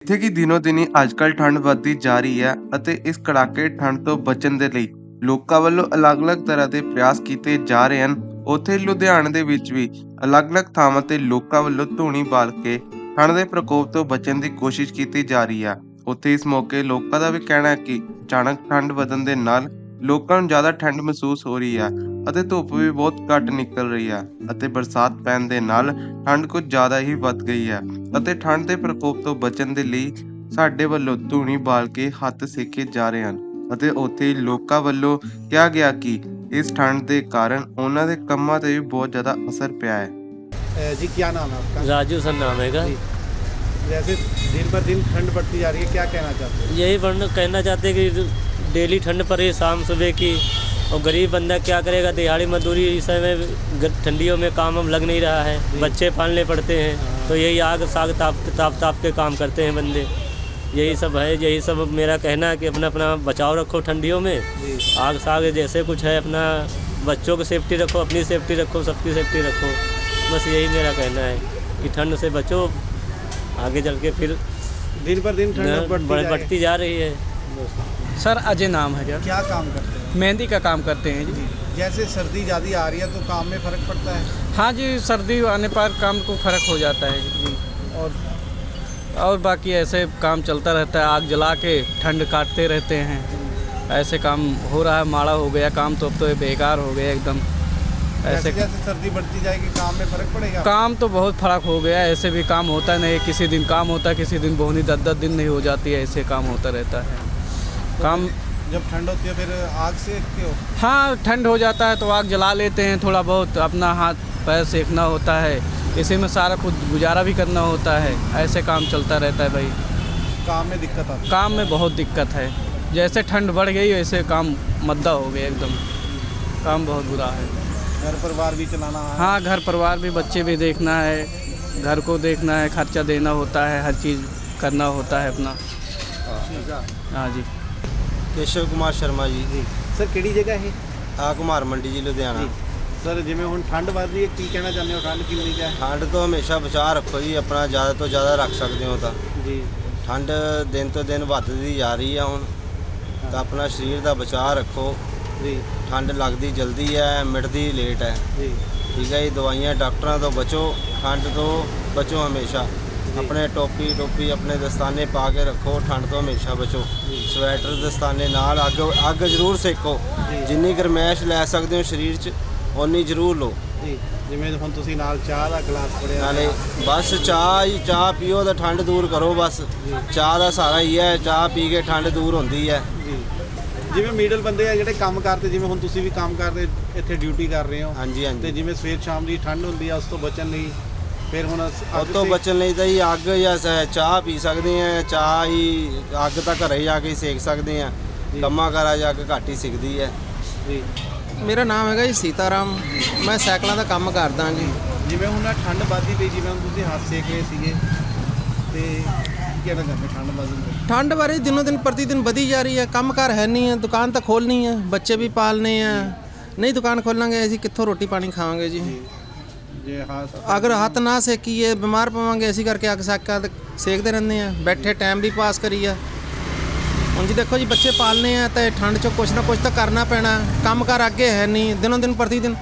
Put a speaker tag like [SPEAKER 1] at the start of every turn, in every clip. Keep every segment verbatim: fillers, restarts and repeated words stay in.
[SPEAKER 1] ਜਿੱਥੇ ਕਿ ਦਿਨੋ-ਦਿਨ ਹੀ ਅੱਜਕੱਲ੍ਹ ਠੰਡ ਵੱਧਦੀ ਜਾ ਰਹੀ ਹੈ ਅਤੇ ਇਸ ਕੜਾਕੇ ਠੰਡ ਤੋਂ ਬਚਣ ਦੇ ਲਈ ਲੋਕਾਂ ਵੱਲੋਂ ਅਲੱਗ-ਅਲੱਗ ਤਰ੍ਹਾਂ ਦੇ ਪ੍ਰਯਾਸ ਕੀਤੇ ਜਾ ਰਹੇ ਹਨ। ਉੱਥੇ ਲੁਧਿਆਣੇ ਦੇ ਵਿੱਚ ਵੀ ਅਲੱਗ-ਅਲੱਗ ਥਾਵਾਂ ਤੇ ਲੋਕਾਂ ਵੱਲੋਂ ਧੂਣੀ ਬਾਲ ਕੇ ਠੰਡ ਦੇ ਪ੍ਰਕੋਪ ਤੋਂ ਬਚਣ ਦੀ ਕੋਸ਼ਿਸ਼ ਕੀਤੀ ਜਾ ਰਹੀ ਹੈ। ਉੱਥੇ ਇਸ ਮੌਕੇ ਲੋਕਾਂ ਦਾ ਵੀ ਕਹਿਣਾ ਹੈ ਕਿ ਅਚਾਨਕ ਠੰਡ ਵਧਣ ਦੇ ਨਾਲ ਲੋਕਾਂ ਨੂੰ ਜ਼ਿਆਦਾ ਠੰਡ ਮਹਿਸੂਸ ਹੋ ਰਹੀ ਹੈ ਅਤੇ ਧੁੱਪ ਵੀ ਬਹੁਤ ਘੱਟ ਨਿਕਲ ਰਹੀ ਹੈ ਅਤੇ ਬਰਸਾਤ ਪੈਣ ਦੇ ਨਾਲ ਠੰਡ ਕੁਝ ਜ਼ਿਆਦਾ ਹੀ ਵੱਧ ਗਈ ਹੈ ਅਤੇ ਠੰਡ ਦੇ ਪ੍ਰਕੋਪ ਤੋਂ ਬਚਣ ਦੇ ਲਈ ਸਾਡੇ ਵੱਲੋਂ ਧੂਣੀ ਬਾਲ ਕੇ ਹੱਥ ਸੇਕੇ ਜਾ ਰਹੇ ਹਨ ਅਤੇ ਉੱਥੇ ਹੀ ਲੋਕਾਂ ਵੱਲੋਂ ਕਿਹਾ ਗਿਆ ਕਿ ਇਸ ਠੰਡ ਦੇ ਕਾਰਨ ਉਹਨਾਂ ਦੇ ਕੰਮਾਂ ਤੇ ਵੀ ਬਹੁਤ ਜ਼ਿਆਦਾ ਅਸਰ ਪਿਆ ਹੈ।
[SPEAKER 2] जी क्या नाम है आपका?
[SPEAKER 3] राजू सर नाम है।
[SPEAKER 2] जैसे दिन पर दिन ठंड बढ़ती जा रही है, क्या कहना चाहते हैं?
[SPEAKER 3] यही बढ़ना कहना चाहते हैं कि डेली ठंड पड़े शाम सुबह की, और गरीब बंदा क्या करेगा? दिहाड़ी मजदूरी इस समय ठंडियों में काम हम लग नहीं रहा है, बच्चे पालने पड़ते हैं, तो यही आग साग ताप ताप ताप के काम करते हैं बंदे। यही सब है, यही सब मेरा कहना है कि अपना अपना बचाव रखो ठंडियों में। आग साग जैसे कुछ है, अपना बच्चों की सेफ्टी रखो, अपनी सेफ्टी रखो, सबकी सेफ्टी रखो। बस यही मेरा कहना है कि ठंड से बचो, आगे चल के फिर
[SPEAKER 2] दिन पर दिन ठंड बढ़ती,
[SPEAKER 3] बढ़ती जा रही है।
[SPEAKER 4] सर अजय नाम है।
[SPEAKER 2] क्या काम करते हैं?
[SPEAKER 4] मेहंदी का काम करते हैं जी।
[SPEAKER 2] जैसे सर्दी ज़्यादा आ रही है तो काम में फ़र्क पड़ता है?
[SPEAKER 4] हाँ जी, सर्दी आने पर काम को फ़र्क हो जाता है जी।
[SPEAKER 2] और
[SPEAKER 4] और बाकी ऐसे काम चलता रहता है, आग जला के ठंड काटते रहते हैं। ऐसे काम हो रहा है, माड़ा हो गया काम तो अब तो बेकार हो गया एकदम।
[SPEAKER 2] ऐसे जैसे सर्दी बढ़ती जाएगी काम में फ़र्क पड़ेगा?
[SPEAKER 4] काम तो बहुत फ़र्क हो गया है, ऐसे भी काम होता नहीं, किसी दिन काम होता है, किसी दिन बोहनी दस दस दिन नहीं हो जाती है, ऐसे काम होता रहता है।
[SPEAKER 2] तो
[SPEAKER 4] काम
[SPEAKER 2] जब ठंड होती है फिर आग सेकते हो?
[SPEAKER 4] हाँ, ठंड हो जाता है तो आग जला लेते हैं, थोड़ा बहुत अपना हाथ पैर सेकना होता है, इसी में सारा कुछ गुजारा भी करना होता है। ऐसे काम चलता रहता है भाई।
[SPEAKER 2] काम में दिक्कत आती है?
[SPEAKER 4] काम में बहुत दिक्कत है, जैसे ठंड बढ़ गई वैसे काम मद्दा हो गया एकदम, काम बहुत बुरा है।
[SPEAKER 2] घर परिवार भी चलाना है?
[SPEAKER 4] हाँ, घर परिवार भी, बच्चे भी देखना है, घर को देखना है, खर्चा देना होता है, हर चीज़ करना होता है अपना। हाँ जी।
[SPEAKER 5] ਕੇਸ਼ਵ ਕੁਮਾਰ ਸ਼ਰਮਾ ਜੀ।
[SPEAKER 2] ਸਰ ਕਿਹੜੀ ਜਗ੍ਹਾ ਹੈ?
[SPEAKER 5] ਆ ਕੁਮਾਰ ਮੰਡੀ ਜੀ ਲੁਧਿਆਣਾ।
[SPEAKER 2] ਸਰ ਜਿਵੇਂ ਹੁਣ ਠੰਡ ਵੱਧ ਰਹੀ ਹੈ, ਕੀ ਕਹਿਣਾ ਚਾਹੁੰਦੇ ਹੋ? ਠੰਡ ਕਿੰਨੀ ਕੁ ਹੈ?
[SPEAKER 5] ਠੰਡ ਤੋਂ ਹਮੇਸ਼ਾ ਬਚਾਅ ਰੱਖੋ ਜੀ, ਆਪਣਾ ਜ਼ਿਆਦਾ ਤੋਂ ਜ਼ਿਆਦਾ ਰੱਖ ਸਕਦੇ ਹੋ ਤਾਂ।
[SPEAKER 2] ਜੀ।
[SPEAKER 5] ਠੰਡ ਦਿਨ ਤੋਂ ਦਿਨ ਵੱਧਦੀ ਜਾ ਰਹੀ ਆ ਹੁਣ, ਤਾਂ ਆਪਣਾ ਸਰੀਰ ਦਾ ਬਚਾਅ ਰੱਖੋ
[SPEAKER 2] ਜੀ।
[SPEAKER 5] ਠੰਡ ਲੱਗਦੀ ਜਲਦੀ ਹੈ, ਮਿਟਦੀ ਲੇਟ ਹੈ।
[SPEAKER 2] ਜੀ।
[SPEAKER 5] ਠੀਕ ਹੈ ਜੀ, ਦਵਾਈਆਂ ਡਾਕਟਰਾਂ ਤੋਂ ਬਚੋ, ਠੰਡ ਤੋਂ ਬਚੋ ਹਮੇਸ਼ਾ। ਆਪਣੇ ਟੋਪੀ ਟੋਪੀ ਆਪਣੇ ਦਸਤਾਨੇ ਪਾ ਕੇ ਰੱਖੋ, ਠੰਡ ਤੋਂ ਹਮੇਸ਼ਾ ਬਚੋ। ਸਵੈਟਰ ਦਸਤਾਨੇ ਨਾਲ, ਅੱਗ ਅੱਗ ਜ਼ਰੂਰ ਸੇਕੋ, ਜਿੰਨੀ ਗਰਮੈਸ਼ ਲੈ ਸਕਦੇ ਹੋ ਸਰੀਰ 'ਚ ਓਨੀ ਜ਼ਰੂਰ ਲਓ।
[SPEAKER 2] ਜੀ। ਜਿਵੇਂ ਹੁਣ ਤੁਸੀਂ ਨਾਲ ਚਾਹ ਦਾ ਗਲਾਸ ਫੜਿਆ,
[SPEAKER 5] ਨਾਲੇ ਬਸ ਚਾਹ ਹੀ ਚਾਹ ਪੀਓ ਤਾਂ ਠੰਡ ਦੂਰ ਕਰੋ। ਬਸ ਚਾਹ ਦਾ ਸਹਾਰਾ ਹੀ ਹੈ, ਚਾਹ ਪੀ ਕੇ ਠੰਡ ਦੂਰ ਹੁੰਦੀ ਹੈ।
[SPEAKER 2] ਜੀ। ਜਿਵੇਂ ਮਿਡਲ ਬੰਦੇ ਆ ਜਿਹੜੇ ਕੰਮ ਕਰਦੇ, ਜਿਵੇਂ ਹੁਣ ਤੁਸੀਂ ਵੀ ਕੰਮ ਕਰਦੇ ਇੱਥੇ ਡਿਊਟੀ ਕਰ ਰਹੇ ਹੋ,
[SPEAKER 5] ਹਾਂਜੀ
[SPEAKER 2] ਤੇ
[SPEAKER 5] ਹਾਂਜੀ।
[SPEAKER 2] ਜਿਵੇਂ ਸਵੇਰ ਸ਼ਾਮ ਦੀ ਠੰਡ ਹੁੰਦੀ ਆ, ਉਸ ਤੋਂ ਬਚਣ ਲਈ ਫਿਰ ਹੁਣ
[SPEAKER 5] ਉਹ ਤੋਂ ਬਚਣ ਲਈ ਤਾਂ ਜੀ ਅੱਗ ਜਾਂ ਸ- ਚਾਹ ਪੀ ਸਕਦੇ ਆ। ਚਾਹ ਹੀ ਅੱਗ ਤਾਂ ਘਰੇ ਜਾ ਕੇ ਹੀ ਸੇਕ ਸਕਦੇ ਆ, ਕੰਮਾਂ ਕਾਰਾਂ ਜਾ ਕੇ ਘੱਟ ਹੀ ਸਿੱਖਦੀ ਹੈ।
[SPEAKER 2] ਜੀ।
[SPEAKER 6] ਮੇਰਾ ਨਾਮ ਹੈਗਾ ਜੀ ਸੀਤਾਰਾਮ, ਮੈਂ ਸਾਈਕਲਾਂ ਦਾ ਕੰਮ ਕਰਦਾ ਜੀ।
[SPEAKER 2] ਜਿਵੇਂ ਹੁਣ ਆਹ ਠੰਡ ਵੱਧਦੀ ਪਈ, ਜਿਵੇਂ ਹੁਣ ਤੁਸੀਂ ਹੱਥ ਸੇਕ ਰਹੇ ਸੀਗੇ, ਤੇ ਕੀ ਕਹਿਣਾ ਚਾਹੁੰਦੇ ਠੰਡ ਵੱਧਣ ਦੇ?
[SPEAKER 6] ਠੰਡ ਬਾਰੇ ਦਿਨੋਂ ਦਿਨ ਪ੍ਰਤੀ ਦਿਨ ਵਧੀ ਜਾ ਰਹੀ ਹੈ, ਕੰਮ ਕਾਰ ਹੈ ਨਹੀਂ ਹੈ, ਦੁਕਾਨ ਤਾਂ ਖੋਲ੍ਹਣੀ ਹੈ, ਬੱਚੇ ਵੀ ਪਾਲਣੇ ਆ, ਨਹੀਂ ਦੁਕਾਨ ਖੋਲਾਂਗੇ ਅਸੀਂ ਕਿੱਥੋਂ ਰੋਟੀ ਪਾਣੀ ਖਾਵਾਂਗੇ ਜੀ।
[SPEAKER 2] ਜੇ ਹੱਥ
[SPEAKER 6] ਅਗਰ ਹੱਥ ਨਾ ਸੇਕੀਏ ਬਿਮਾਰ ਪਵਾਂਗੇ, ਅਸੀਂ ਕਰਕੇ ਅੱਗ ਸਾਕਾ ਸੇਕਦੇ ਰਹਿੰਦੇ ਆ, ਬੈਠੇ ਟਾਈਮ ਵੀ ਪਾਸ ਕਰੀ ਆ। ਹੁਣ ਜੀ ਦੇਖੋ ਜੀ, ਬੱਚੇ ਪਾਲਣੇ ਆ ਤਾਂ ਠੰਡ 'ਚ ਕੁਛ ਨਾ ਕੁਛ ਤਾਂ ਕਰਨਾ ਪੈਣਾ, ਕੰਮ ਕਾਰ ਅੱਗੇ ਹੈ ਨਹੀਂ, ਦਿਨੋਂ ਦਿਨ ਪ੍ਰਤੀ ਦਿਨ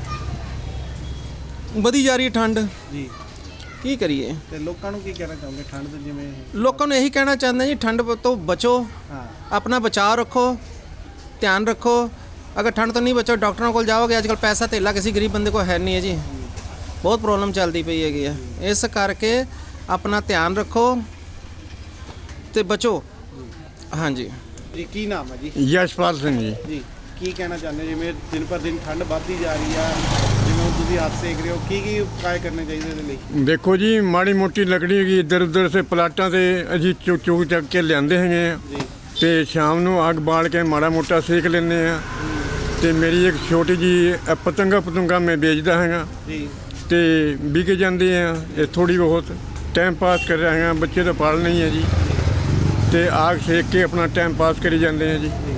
[SPEAKER 6] ਵਧੀ ਜਾ ਰਹੀ ਹੈ ਠੰਡ।
[SPEAKER 2] ਜੀ।
[SPEAKER 6] ਕੀ ਕਰੀਏ?
[SPEAKER 2] ਤੇ ਲੋਕਾਂ ਨੂੰ ਕੀ ਕਹਿਣਾ ਚਾਹੁੰਦੇ ਠੰਡ ਤੋਂ? ਜਿਵੇਂ
[SPEAKER 6] ਲੋਕਾਂ ਨੂੰ ਇਹੀ ਕਹਿਣਾ ਚਾਹੁੰਦੇ ਜੀ, ਠੰਡ ਤੋਂ ਬਚੋ,
[SPEAKER 2] ਹਾਂ,
[SPEAKER 6] ਆਪਣਾ ਬਚਾਅ ਰੱਖੋ, ਧਿਆਨ ਰੱਖੋ। ਅਗਰ ਠੰਡ ਤੋਂ ਨਹੀਂ ਬਚੋ, ਡਾਕਟਰਾਂ ਕੋਲ ਜਾਓਗੇ, ਅੱਜ ਕੱਲ੍ਹ ਪੈਸਾ ਧੇਲਾ ਕਿਸੇ ਗਰੀਬ ਬੰਦੇ ਕੋਲ ਹੈ ਨਹੀਂ ਹੈ ਜੀ, ਬਹੁਤ ਪ੍ਰੋਬਲਮ ਚੱਲਦੀ ਪਈ ਹੈਗੀ ਆ। ਇਸ ਕਰਕੇ ਆਪਣਾ ਧਿਆਨ ਰੱਖੋ ਤੇ ਬਚੋ। ਹਾਂਜੀ।
[SPEAKER 2] ਜੀ ਕੀ ਨਾਮ ਹੈ ਜੀ?
[SPEAKER 7] ਯਸ਼ਪਾਲ ਸਿੰਘ ਜੀ।
[SPEAKER 2] ਜੀ। ਕੀ ਕਹਿਣਾ ਚਾਹੁੰਦੇ ਹੋ? ਜਿਵੇਂ ਦਿਨ ਪਰ ਦਿਨ ਠੰਡ ਵੱਧਦੀ ਜਾ ਰਹੀ ਆ, ਜਿਵੇਂ ਹੁਣ ਤੁਸੀਂ ਹੱਥ ਸੇਕ ਰਹੇ ਹੋ, ਕੀ ਕੀ ਉਪਾਅ ਕਰਨੇ ਚਾਹੀਦੇ ਇਹਦੇ ਲਈ?
[SPEAKER 7] ਦੇਖੋ ਜੀ, ਮਾੜੀ ਮੋਟੀ ਲੱਕੜੀ ਹੈਗੀ ਇੱਧਰ ਉੱਧਰ ਸੇ ਪਲਾਟਾਂ ਤੇ ਅਸੀਂ ਚੁੱਕ ਚੁੱਕ ਚੱਕ ਕੇ ਲਿਆਂਦੇ ਹੈਗੇ ਆ,
[SPEAKER 2] ਜੀ।
[SPEAKER 7] ਤੇ ਸ਼ਾਮ ਨੂੰ ਅੱਗ ਬਾਲ ਕੇ ਮਾੜਾ ਮੋਟਾ ਸੇਕ ਲੈਂਦੇ ਆ। ਤੇ ਮੇਰੀ ਇੱਕ ਛੋਟੀ ਜੀ ਪਤੰਗਾ ਪਤੰਗਾ ਮੈਂ ਵੇਚਦਾ ਹੈਗਾ,
[SPEAKER 2] ਜੀ।
[SPEAKER 7] ਤੇ ਵਿਕ ਜਾਂਦੇ ਆ। ਇਹ ਥੋੜੀ ਬਹੁਤ ਟਾਈਮ ਪਾਸ ਕਰ ਰਹੇ ਹਾਂ, ਬੱਚੇ ਤਾਂ ਪਾਲਣੇ ਹੀ ਹੈ ਜੀ, ਤੇ ਆਗ ਸੇਕ ਕੇ ਆਪਣਾ ਟਾਈਮ ਪਾਸ ਕਰੀ ਜਾਂਦੇ ਆ ਜੀ।